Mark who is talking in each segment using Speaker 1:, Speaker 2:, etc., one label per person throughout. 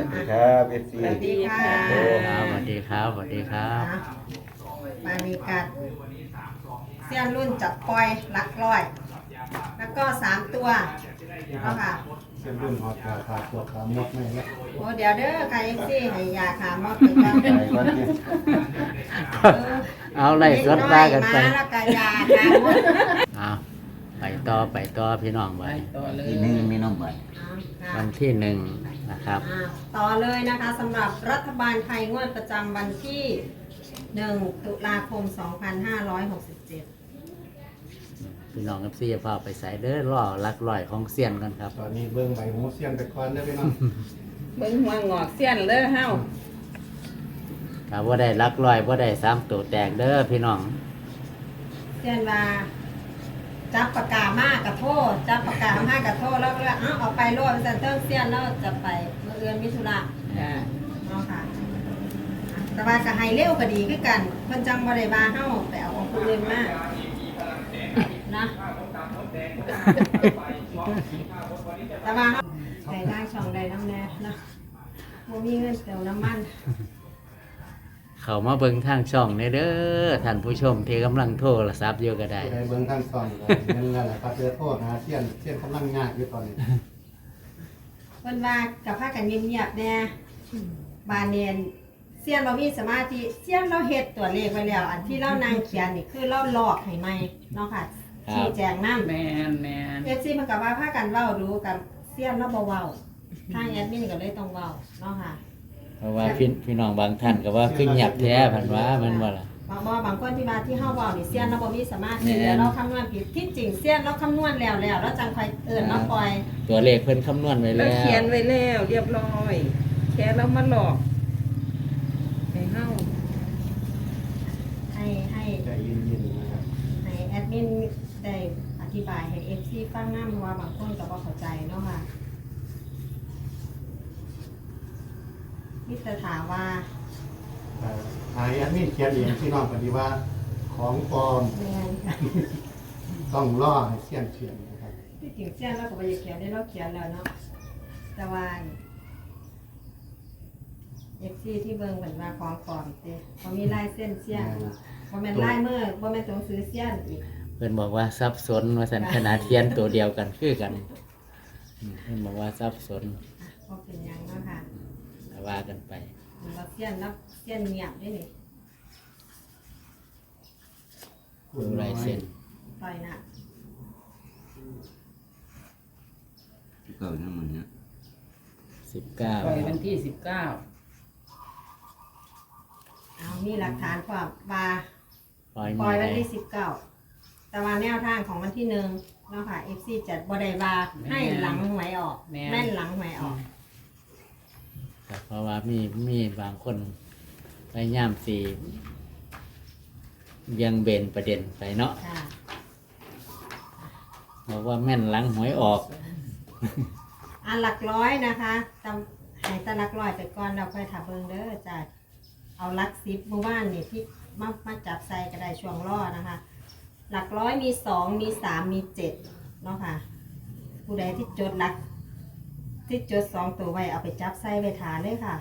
Speaker 1: วัสดีครับเอฟซี
Speaker 2: สวัสดีค่ะ
Speaker 3: ครับสวัสดีครับสวัสดีครับ
Speaker 2: มามีการเสี้ยนรุ่นจับปล่อยหลักร้อย แล้วก็3 ตัวเนาะค่ะ
Speaker 4: เส้นรุ่นหอดขาตัวขามดไม่แล้ว
Speaker 2: โอ้เดี๋ยวเด้อใครซี่ให้ยาขามดไปก่อน
Speaker 1: ไปก่อนที่
Speaker 3: เอาไล่สดได้กันไป
Speaker 2: มาแล้วก็ยาขามด
Speaker 3: เอาไปต่อพี่น้องไป
Speaker 5: ต่อเลย
Speaker 1: ทีนึงมีน้องใบ
Speaker 3: วันที่1นะครับ
Speaker 2: ต่อเลยนะคะสำหรับรัฐบาลไทยงวดประจำวันที่ 1 ตุลาคม 2567
Speaker 3: พี่น้องกับซี่จะพาไปใส่เด้อล่อลักลอยของเสี้ยนกันครับ
Speaker 4: ตอนนี้เบิ้งใบหูเสียนไปก่อนได้ไหมน้อง
Speaker 5: เบิ่งหัวงอกเสี้ยนเลยเฮา
Speaker 3: ถ้าว่าได้ลักลอยว่าได้3ตัวแตกเด้อพี่น้อง
Speaker 2: เช่นว่าจับปากกามากกับโทษจับปากกามากกับโทษแล้วก็เอาไปโลดเซนเตอร์เซียนแล้วจะไปเมื่อเอือนมิถุระ
Speaker 5: จ้า
Speaker 2: เนาะค่ะแต่ว่าก็ให้เร็วก็ดีคือกันเพิ่นจังบ่ได้บาเฮาไปเอาของผู้อื่นมานะแต่ว่าเฮาใส่ได้ช่องใดน้ำแน่นะบ่มีเงินเติมน้ำมัน
Speaker 3: เขามาเบิ่งทางช่องในเด้อท่านผู้ชมที่กำลังโทรศัพท์อยู่ก็ได้
Speaker 4: ผู้ใดเบิ้งทั้งซองก็นั่นแหละครับเจอโทษนะเสียนกำลังงากอยู่ตอนนี้
Speaker 2: เพิ่นว่ากับพากันเงียบๆแน่บานเนียนเสียนเรามีสมาธิเสียนเราเฮ็ดตัวเลขไว้แล้ว อันที่เรานางเขียนนี่คือเราลอกให้ใหม่เนาะค่ะ
Speaker 3: ครับ
Speaker 2: ชี้แจงนำ
Speaker 5: แมนแมน
Speaker 2: FC มันก็ว่าพากันว้าดูกับเสียนเราบ่เว้าทางแอดมินก็เลยต้องเว้าเนาะค่ะ
Speaker 3: เพราะว่าพี่น้องบางท่านก็ว่าขึ้นหยับแท้พันว่ามันว่าล่ะ
Speaker 2: บางคนที่ว่าที่เฮาเว้านี่เสียนเราบ่มีสมาธิ
Speaker 3: แม่น
Speaker 2: แล้วเราคำนวณผิดที่จริงเสียนเราคำนวณแล้วแล้วจังค่อยเอิ้นมาปล่อย
Speaker 3: ตัวเลขเพิ่นคำนวณไว้
Speaker 5: เรา
Speaker 3: แล้ว
Speaker 5: เขียนไว้แล้วเรียบร้อยแค่เรามาหลอกให้เฮา
Speaker 2: ให้
Speaker 4: ใจเย็นๆนะครับ
Speaker 2: ให้แอดมินได้อธิบายให้ FC ฟังนำว่าบางคนก็บ่เข้าใจเนาะค่ะมิตรถามว่า
Speaker 4: หายอันนี้เขียนเองพี่น้องปฏิว่าของปลอม
Speaker 2: แม่นค่ะ
Speaker 4: ต้องล่อให้เสียนเขียนนะครับ
Speaker 2: ที่จริงเสี้ยนเราก็บ่ได้เขียนได้เราเขียนแล้วเนาะแต่ว่า FC ที่เบิ่งเหมือนว่าของปลอมเด้บ่มีลายเส้นเสี้ยนบ่แม่นลายมือบ่แม่นตัวหนังสือเสี้ยนอีก
Speaker 3: เพิ่นบอกว่าสับสนว่าสันขนาดเทียนตัวเดียวกันคือกันเพิ่นบอกว่าสับสน
Speaker 2: บ่เป็นหยังเนาะค่ะ
Speaker 3: แต่ว่ากันไป
Speaker 2: เราเสี้ยนแล้วเสี้ยนเงียบได้นี่
Speaker 3: ดูลายเส้น
Speaker 2: ต่อยหน้า
Speaker 1: เก่าทั้งหมดเนี่ย
Speaker 5: ปล่อย
Speaker 3: 19
Speaker 5: วันที่19
Speaker 2: เอามีหลักฐานความว่า
Speaker 3: ปล่อย
Speaker 2: ป
Speaker 3: มื
Speaker 2: ล่อย
Speaker 3: อ
Speaker 2: วัน
Speaker 3: ได้
Speaker 2: ที่19แต่ว่าแนวทางของวันที่1เนาะค่ะ FC จัดบ่ได้ว่าให้หลังหวยออกแม่นหลังหวยออก
Speaker 3: ครับเพราะว่ามีบางคนพยายามสียังเบนประเด็นไปเนาะ
Speaker 2: ค่ะ
Speaker 3: บอกว่าแม่นหลังหวยออก
Speaker 2: อันหลักร้อยนะคะจำให้แตหลักร้อยไปก่อนเราค่อยถาเบิงเด้อจ้ะเอาหลัก10เมื่อวานนี่ที่มาจับใส่ก็ได้ช่วงล่อนะคะ หลักร้อยมี2มี3มี7เนาะค่ะ ผู้ใดที่จดหลักที่จด2ตัวไว้เอาไปจับใส่ไปฐานเลยค่ะ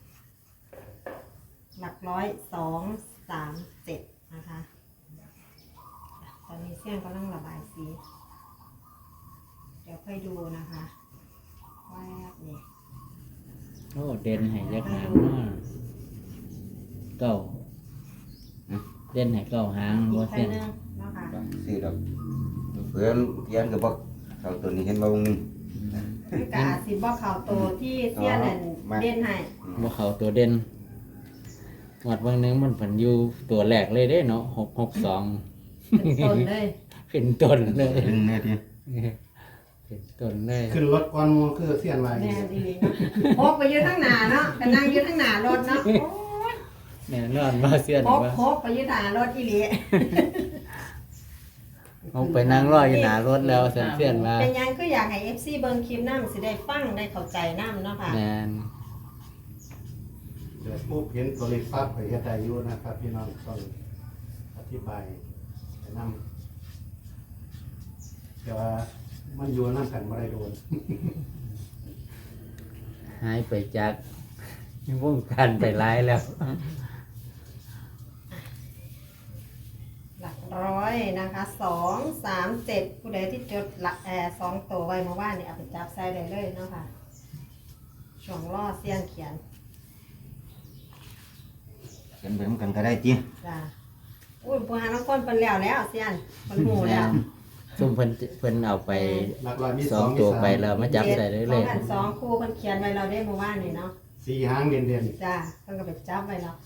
Speaker 2: หลักร้อย2 3 7นะคะตอนนี้เสี้ยนกำลังระบายสีเดี๋ยวค่อยดูนะคะแวบนี่
Speaker 3: โอ้เด่นให้ยักหางเนาะเก้าเด่นให้เก้าหาง
Speaker 2: อี
Speaker 3: ว่าก
Speaker 2: แค่
Speaker 3: เส้น
Speaker 2: นึงเนาะค่ะ
Speaker 1: สี่ดอกเพื่อนเขียนกับบอกเขาตัวนี้เห็นบ่วงหนึง
Speaker 2: คือกอาสิบ่เข่าโตที่เสี้ยนนั่น
Speaker 1: มา
Speaker 2: เด่นให้
Speaker 3: ว่าเขาตัวเด่นหมดบางนึงมันผันอยู่ตัวแรกเลยเด้เนาะ662
Speaker 2: เป็นต้นเลย
Speaker 3: เป็นต้นเลย
Speaker 1: ดึงเนี่ยที
Speaker 3: เป็นต้นเลย
Speaker 4: ขึ้นรถก่อนหมูคือเสียนมา
Speaker 2: แม่ดีเนาะพกไปยืดทั้งหนาเนาะกันนั่งยืดทั้งหนารถเนาะโอ้ย
Speaker 3: แน่นอนว่าเสียน
Speaker 2: พก
Speaker 3: ว่า
Speaker 2: พกไปยืดหนารถอีหลี
Speaker 3: เอาไปนั่งรออยู่หนารถแล้วเสียนว่า
Speaker 2: เป็นหยังก็อยากให้ FC เบิ่งคลิปนำสิได้ฟังได้เข้าใจนำเนาะค่ะ
Speaker 3: แน่น
Speaker 4: เดี๋ยวปุ๊บเห็นตัวเลขปั๊บไปเฮ็ดได้อยู่นะครับพี่น้องต้องอธิบายไปนำแต่ว่ามันอยู่นำกันบ่ได้โดน
Speaker 3: หายไปจากวงการไปหลายแล้ว
Speaker 2: หลักร้อยนะคะ2 3 7ผู้ใดที่จดหลัก2ตัวไว้เมื่อวานนี่เอาไปจับใส่ได้เลยเนาะค่ะช่วงล่อเสี้ยนเขียน
Speaker 1: เขียนไปนำกันก็ได้จิ
Speaker 2: จ้าอุ้ยผู้หาน้องก้นเป็นแล้วเสี้ยนเป็นหมูแล้ว
Speaker 3: ซุ่มเพิ่นเอาไป
Speaker 4: หลักร้อยมี
Speaker 3: สอง
Speaker 4: มี
Speaker 3: ตัว
Speaker 4: สาม
Speaker 3: ไปแล้วมาจับใส่เลยเลย
Speaker 2: สองคู่มันเขียนไว้เราได้เมื่อวานนี่เนาะ
Speaker 4: สี่หางเด่น
Speaker 2: จ้าเพิ่นก็ไปจับไว้แล้ว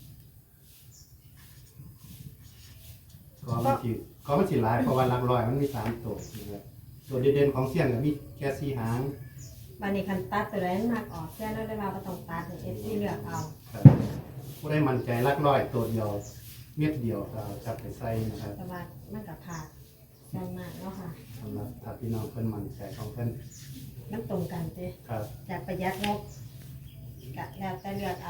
Speaker 4: ๆก็มันสิหลายเพราะว่าหลักร้อยมันมีสามตัวนะครับตัวเด่นๆของเสี้ยนก็มีแค่สี่หาง
Speaker 2: วันนี้คันตัดตัวใดมันมากออกเสี้ยนแล้วได้มาบ่ต้องตัดเอฟซีเลือกเอา
Speaker 4: ครับผู้ได้มั่นใจหลักร้อยตัวเดียวเม็ดเดียวก็จับไปใส่นะครับ
Speaker 2: แต่ว่ามันก็ขาดเสี้ยนมากเนาะค่ะ
Speaker 4: สำหรับถ้าพี่น้องเพิ่นมั่นใจของเพิ่น
Speaker 2: มันตรงกันเจ้
Speaker 4: ครับ
Speaker 2: อยากประหยัดงบก็แล้วแต่เลือกเอา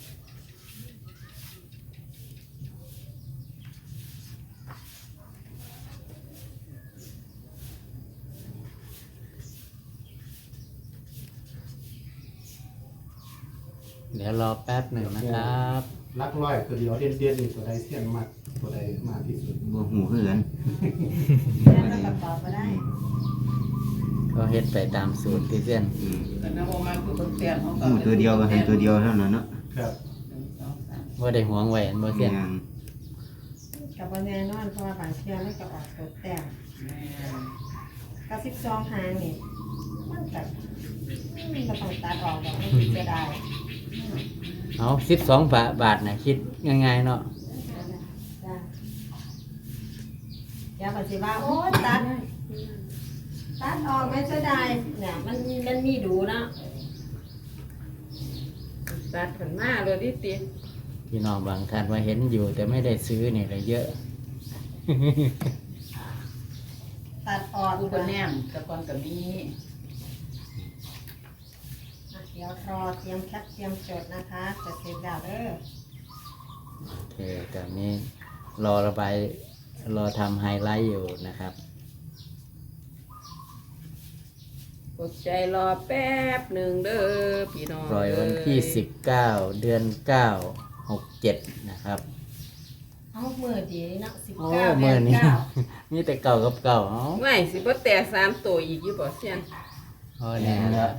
Speaker 3: เดี๋ยวรอแป๊บหนึ่งนะครับ
Speaker 4: หลักร้อยตัวเดียวเด่นๆนี่ตัวใดเสี้ยนมากตัวใดมากที่สุด
Speaker 1: บ่ฮู้คือกัน
Speaker 2: เสี้ยนมันก็ตอบมาได้
Speaker 3: ก็เฮ็ดไปตามสูตรที่เส้น
Speaker 1: อืม
Speaker 5: กันนะบ่มาคือเพิ่นเปลี่ยนของ
Speaker 1: ฮู้ตัวเดียวก็ให้ตัวเดียวเท่านั้นเนาะ
Speaker 4: ครับ
Speaker 3: ว่าได้หวงไว้อันบ่เส้น
Speaker 1: แม่น
Speaker 2: กับวันแน่นอนเพราะว่าบางเที่ยมันก็ออกตัวแต่กับ12หางนี่มันก็ก็ต้องตัดออกดอกมันจะได้
Speaker 3: เอา12 บาทนะคิดง่ายๆเนาะ
Speaker 2: จ้ะเดี๋ยวปฏิว่าโอ้ยตัดออกไม่เสียดายเนี่ยมันมีดูเนาะ
Speaker 5: ตัดผลมาเลยดิติ
Speaker 3: พี่น้องบางท่านว่าเห็นอยู่ แต่ไม่ได้ซื้อนี่เลยเยอะ
Speaker 2: ตัดออก
Speaker 5: กู
Speaker 2: ก่
Speaker 5: ก็
Speaker 2: อน
Speaker 5: แนมแตะกอนก็มี
Speaker 2: เดี๋ยวรอเตรียมแคปเตรียมจดนะคะจะเสร็จแล้วเด้อ
Speaker 3: โอเคตอนนี้รอระบายรอทำไฮไลท์อยู่นะครับ
Speaker 5: อดใจรอแป๊บหนึ่งเด้อพี่น้อง
Speaker 3: ปล่อยวันที่19 เดือน 9 67 นะครับ
Speaker 2: เอามือดีเนาะ
Speaker 3: โอ้
Speaker 2: 19
Speaker 3: เมื่อนี้
Speaker 2: 9
Speaker 3: มีแต่เก่ากับเก่าเอ้า
Speaker 5: ไม่สิบ่แต่3ตัวอีกอยู่บ่เสียน
Speaker 3: โอ้เนี่ย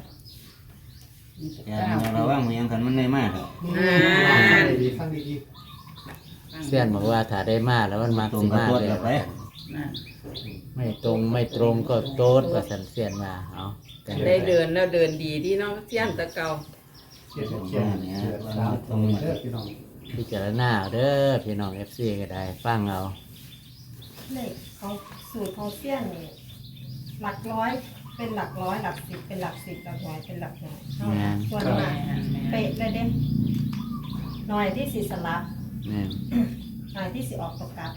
Speaker 1: แต่ระวังมันยังคันมันได้มากครับ
Speaker 4: ฟังดีๆฟังดี
Speaker 3: เสี้ยนบอกว่าถ้าได้มาแล้วมันมัก
Speaker 1: ตรง
Speaker 3: สิ
Speaker 1: กับ
Speaker 3: มา
Speaker 1: ตัว
Speaker 3: เล
Speaker 1: เดีย
Speaker 3: ยว
Speaker 1: ไป
Speaker 5: น่ะ
Speaker 3: ไม่ตรงไม่ตรงก็โต๊ดว่าสันเสี้ยนมาเอาแต่
Speaker 5: ได้เดินแล้วเดินดีที่น้องเสียนแตะเก่า
Speaker 4: ๆเขียนเขียนเขียนตามตรงเด้อพี่น้อง
Speaker 3: พิจารณาเอาเด้อพี่น้อง FC ก็ได้ฟังเอา
Speaker 2: เลขของสูตรของเสี้ยนนี่หลักร้อยเป็นหลักร้อยหลักสิบเป็นหลักสิบหลักหน่วยเป็นหลักหน่วยเนาะส่วนมากเป๊ะเลยเด้หน่วยที่สิสลับ
Speaker 3: นี่น
Speaker 2: หน่วยที่สิออกตกกลับ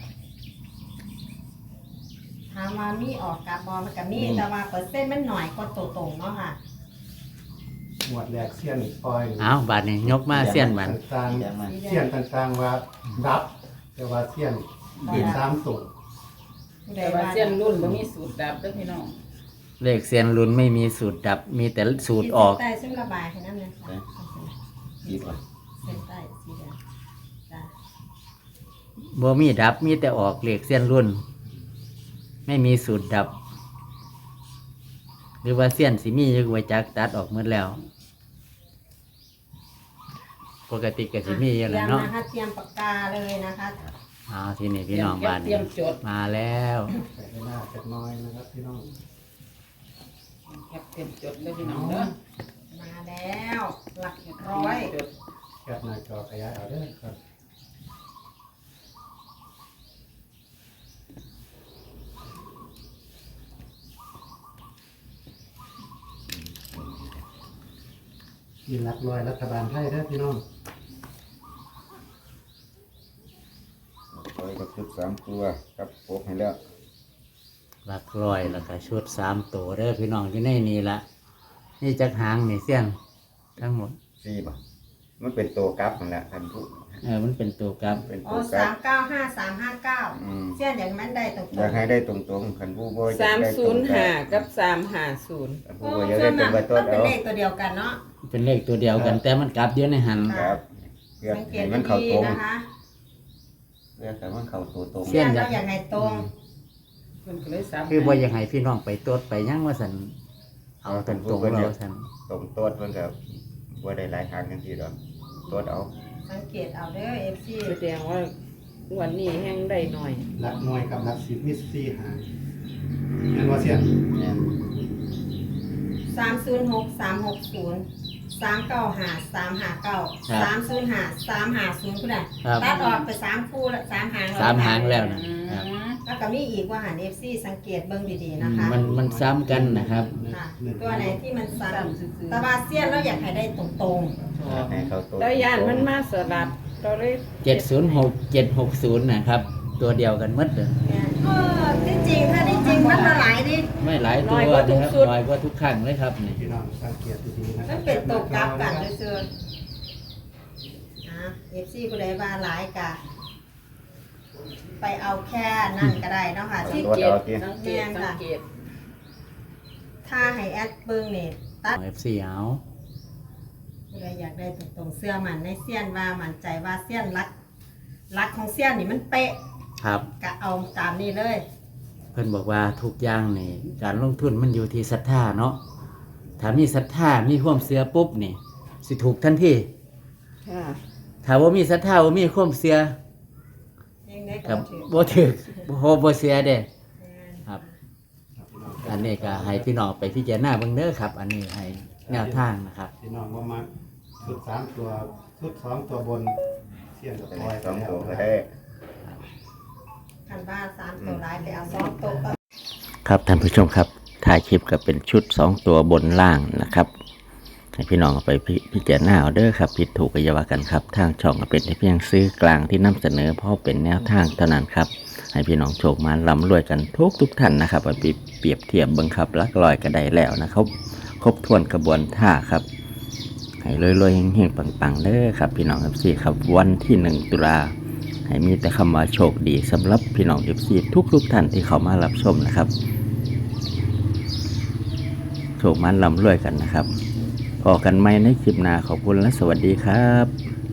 Speaker 2: ถามว่ามีออกกลับบอมันก็มีแต่ว่าเปอร์เซ็นต์มันหน่อยกว่าตัวตรงเนาะค่ะ
Speaker 4: หมวดแรกเสี้ยนปล่อย
Speaker 3: เอาบาดนี้ยกมาเสี้ยนบัน
Speaker 4: ต่าง
Speaker 1: อย่างมัน
Speaker 4: ๆเสี้ยนต่างๆว่ารับแต่ว่าเสี้ยนเป็นสามตัว
Speaker 2: ผู้ใด
Speaker 5: แต่ว่า
Speaker 2: ว่า
Speaker 5: เสียนรุ่นบ่มีสูตรดับเด้อพี่น้อง
Speaker 3: เลขเสียนลุ้นไม่มีสูตรดับ มีแต่สูตรออก
Speaker 2: ขีดเส้นใต้ซึ่งระบายให้นั่นเลยค่ะ
Speaker 1: ดีกว่า
Speaker 2: เส้นใต้สีแดงจ้ะ
Speaker 3: บ่มีดับมีแต่ออกเลขเสียนรุ่น ไม่มีสูตรดับ หรือว่าเสียนสิมีอยู่ไว้จักตัดออกหมดแล้ว ปกติก็สิมีอยู่แล้วเนาะ
Speaker 2: ตรียมนะคะเตรียมปากกาเลยนะคะ
Speaker 3: เอาทีนี้พี่น้องบ้าน
Speaker 5: เตรี
Speaker 3: นี้
Speaker 5: ยมจด
Speaker 3: มาแล้ว
Speaker 4: ใส่ให้หน้าจักหน้อยนะครับพี่น้อง
Speaker 5: แคปเตรียมจดเด้อพี่น้องเด้อ
Speaker 2: มาแล้วหลักร้อย
Speaker 5: จด
Speaker 4: แคปหน้าจอขยายเอาเด้อครับ ยินรักรอยรัฐบาลไทยได้อพี่น้อง
Speaker 1: ปล่อยกับชุด3ตัวกับปกให้แล้ว
Speaker 3: หลักร้อยแล้วก็ชุด3 ตัวเด้อพี่น้องที่ในนี่ละนี่จักหางนี่เสี้ยนทั้งหมด
Speaker 1: 4บ่มันเป็นตัวกลับนั่นแหละคันผู้
Speaker 3: มันเป็นตัวกลับ
Speaker 1: เป็น
Speaker 2: อ๋
Speaker 1: ตั
Speaker 2: อ
Speaker 1: วกลับ
Speaker 2: 395359
Speaker 1: อืม
Speaker 2: เส้นอย่างนั้นได้ตรง
Speaker 1: อยากให้ได้ตรงๆคันผู้บ่อยากได้ตรงกัน
Speaker 5: 305กับ350
Speaker 1: คัน
Speaker 2: ๆ
Speaker 1: ผู้บ่อยากได้ตรงไปต้
Speaker 2: มัน นเป็น
Speaker 1: เอา
Speaker 2: เลขตัวเดียวกันเนาะ
Speaker 3: เป็นเลขตัวเดียวกัน แต่มันกลับเยอะในหัน
Speaker 1: ครับเพื่อ
Speaker 2: สังเก
Speaker 1: ให้
Speaker 2: ต
Speaker 1: มันเข้า
Speaker 2: ดี
Speaker 1: ตรง
Speaker 2: ๆนะคะ
Speaker 1: เพื่อให้มันเข้าตัวตรง
Speaker 2: เสี้ยนเราอย่างไงตรง
Speaker 5: เพิ่นก็เลยซับ
Speaker 3: คือบ่อยากให้พี่น้องไปตรวจไปหยังว่าสันเอาตรงๆเราสัน
Speaker 1: ตรงตัวเพิ่นก็บ่ได้หลายทางจังซี่ดอกตัวเอา
Speaker 2: สังเกตเอาเด้อ FC
Speaker 5: แสดงว่าวันนี้แห้งได้หน่อย
Speaker 4: หลักหน่วยกับหลัก10มี4หางแม่นว่าเสียน
Speaker 1: แม่น
Speaker 2: 306 360 395 359 305 350คุณน่ะ
Speaker 3: ครับ
Speaker 2: ตัดออกไป3คู่ละ3หาง
Speaker 3: 3 หางแล้วนะครับ
Speaker 2: แล้วก็มีอีกว่าหัน FC สังเกตเบิ่งดีๆนะคะ
Speaker 3: มันซ้ำกันนะครับ
Speaker 2: ค่ะตัวไหนที่มันซ้ำตะวาเซียนเราอยากให้ได้ตรง
Speaker 1: ให้เข้าตัว
Speaker 5: แล้วย่านมันมาสลับเราเลย
Speaker 3: 706 760นะครับ ตัวเดียวกันหมดเลย
Speaker 2: ๆเนี่ยที่จริงถ้าที่จริงมันมาหลายดิ
Speaker 3: ไม่หลายตัวนะครับน้อยกว่าทุกครั้งเลยครับนี่
Speaker 4: พี่น้องสังเกตดีๆนะครั
Speaker 2: มันเป็นตกกลับกันซื่อๆนะ FC ผู้ใดว่าหลายกะไปเอาแค่นั่นก็ได้เนาะค่ะที่
Speaker 5: สังเกตสังเกตสังเกต
Speaker 2: ถ้าให้แอดเบิ่งนี่ตัด
Speaker 3: FC เอา
Speaker 2: ผู้ใดอยากได้ตรงๆเสื้อมันในเสี้ยนว่ามั่นใจว่าเสี้ยนรักของเสี้ยนนี่มันเป๊ะ
Speaker 3: ครับ
Speaker 2: ก็เอาตามนี้เลย
Speaker 3: เพิ่นบอกว่าทุกอย่างนี่การลงทุนมันอยู่ที่ศรัทธาเนาะถ้ามีศรัทธามีความเชื่อปุ๊บนี่สิถูกทันที
Speaker 5: ค่ะ
Speaker 3: ถ้าว่ามีศรัทธาว่ามีความเชื่อ
Speaker 2: ยังไงก็
Speaker 3: กับ
Speaker 2: ถือ
Speaker 3: บ่ถึกบ่เชื่อเด้
Speaker 2: แม่น
Speaker 3: ครับ
Speaker 4: ครับพี่น้อง
Speaker 3: อันนี้ก็ให้พี่น้องไปพิจารณาเบิ่งเด้อครับ อันนี้ให้แนวทางนะครับ
Speaker 4: พี่น้องว่ามาชุด3ตัวชุด2ตัวบนเสียนกับปล่อย
Speaker 1: สอง
Speaker 4: แล้ว
Speaker 1: ตัวก็
Speaker 4: นะ
Speaker 1: ได้
Speaker 2: คันบ้าน3ตัวร้ายไปเอา2ตัวก็
Speaker 3: ครับท่านผู้ชมครับถ่ายคลิปก็เป็นชุด2ตัวบนล่างนะครับให้พี่น้องเอาไปพิจารณาเอาเด้อครับผิดถูกก็อย่าว่ากันครับทางช่องก็เป็นเพียงซื้อกลางที่นำเสนอเพราะเป็นแนวทางเท่านั้นครับให้พี่น้องโชคมาร่ำรวยกันทุกท่านนะครับเอาไปเปรียบเทียบเบิ่งครับลักลอยก็ได้แล้วนะครับครบถ้วนกระบวนท่าครับให้รวยๆเฮงๆปังๆเด้อครับพี่น้องครับ4ครับวันที่1ตุลาให้มีแต่คำว่าโชคดีสำหรับพี่น้อง FC ทุกท่านที่เข้ามารับชมนะครับโชคมันร่ำรวยกันนะครับพอกันไหมในคลิปหน้าขอบคุณและสวัสดีครับ